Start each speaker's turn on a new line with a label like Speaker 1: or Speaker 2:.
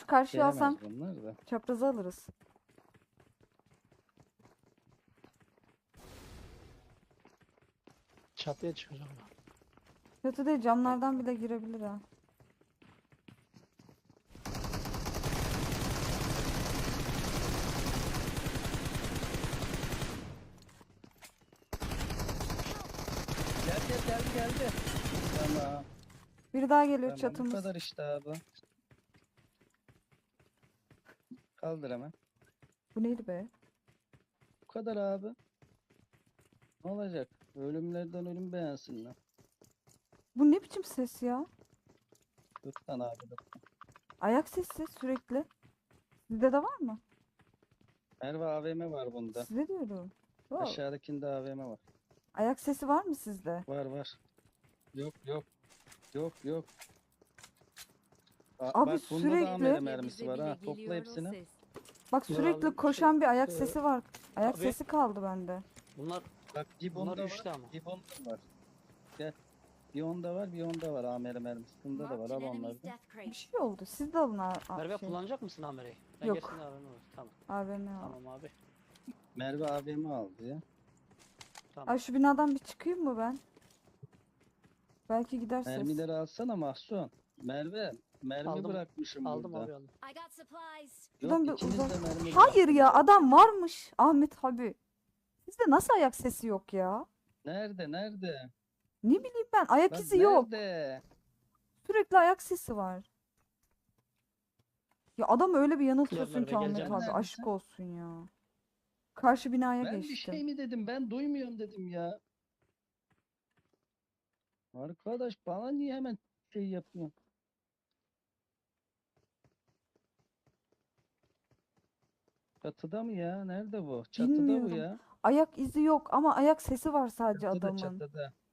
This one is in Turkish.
Speaker 1: karşıya
Speaker 2: Gelemez
Speaker 1: alsam
Speaker 2: bunlar da.
Speaker 1: çaprazı alırız.
Speaker 3: Çatıya çıkacağım ben.
Speaker 1: Kötü değil, camlardan bile girebilir ha.
Speaker 2: Geldi. Tamam.
Speaker 1: Biri daha geliyor
Speaker 2: Tamam bu
Speaker 1: çatımız.
Speaker 2: kadar işte abi. Kaldır hemen.
Speaker 1: Bu neydi be?
Speaker 2: Bu kadar abi. Ne olacak? Ölümlerden ölüm beğensinler.
Speaker 1: Bu ne biçim ses ya?
Speaker 2: Lütfen abi.
Speaker 1: Ayak sesi sürekli. Sizde de var mı?
Speaker 2: Merve AVM var bunda.
Speaker 1: Sizde diyorum. Wow.
Speaker 2: Aşağıdakinde AVM var.
Speaker 1: Ayak sesi var mı sizde?
Speaker 2: Var. Yok. Yok.
Speaker 1: Abi
Speaker 2: bak bunda
Speaker 1: sürekli-
Speaker 2: da AMR
Speaker 4: Bize
Speaker 2: mermisi var
Speaker 4: bile
Speaker 2: ha.
Speaker 4: geliyor
Speaker 2: Topla
Speaker 4: o
Speaker 2: hepsini.
Speaker 4: ses.
Speaker 1: Bak
Speaker 3: Dur
Speaker 1: sürekli
Speaker 3: abi,
Speaker 1: koşan bir ayak
Speaker 3: e,
Speaker 1: sesi var. Ayak
Speaker 3: abi-
Speaker 1: sesi kaldı bende.
Speaker 3: Bunlar
Speaker 2: Bak Gibon'da
Speaker 3: Bunlar
Speaker 2: var.
Speaker 3: üçlü ama.
Speaker 2: Gibon'da var. Gel. Bir onda var, bir onda var. AMR mermisi. Bunda da var.
Speaker 4: Marked
Speaker 2: Al
Speaker 4: an enemy's
Speaker 2: onlardan.
Speaker 4: death
Speaker 1: Bir
Speaker 4: crate.
Speaker 1: şey oldu. Siz de alın
Speaker 3: Merve
Speaker 1: şey.
Speaker 3: kullanacak mısın Amer'i? Ben
Speaker 1: Yok.
Speaker 3: gerisinde AVM var. Tamam.
Speaker 1: AVM al.
Speaker 3: Tamam abi.
Speaker 2: Merve AVM aldı ya.
Speaker 3: Tamam.
Speaker 1: Ay şu binadan bir çıkayım mı ben? Belki gider ses.
Speaker 2: Mermileri alsana Mahsun. Mermi
Speaker 3: Aldım.
Speaker 2: bırakmışım
Speaker 3: Aldım
Speaker 2: burada.
Speaker 3: abi aldım.
Speaker 4: I got supplies.
Speaker 1: Şuradan
Speaker 2: Yok
Speaker 1: bir
Speaker 2: ikiniz
Speaker 1: uzak-
Speaker 2: de mermi
Speaker 1: Hayır ya,
Speaker 2: bıraktınız.
Speaker 1: adam varmış Ahmet abi. Sizde nasıl ayak sesi yok ya?
Speaker 2: Nerede?
Speaker 1: Ne bileyim ben, ayak
Speaker 2: Lan
Speaker 1: izi yok.
Speaker 2: nerede?
Speaker 1: Sürekli ayak sesi var. Ya adam öyle bir yanıltıyorsun
Speaker 3: Merve,
Speaker 1: ki Ahmet
Speaker 3: geleceğim.
Speaker 1: abi,
Speaker 2: Neredesin?
Speaker 1: aşk olsun ya. Karşı binaya
Speaker 2: Ben bir
Speaker 1: geçtim.
Speaker 2: şey mi dedim? Ben duymuyorum dedim ya. Arkadaş bana niye hemen şey yapıyorsun? Çatıda mı ya? Nerede bu? Çatıda bu
Speaker 1: Bilmiyorum.
Speaker 2: ya.
Speaker 1: Ayak izi yok ama ayak sesi var sadece
Speaker 2: Çatıda
Speaker 1: adamın.
Speaker 2: çatıda.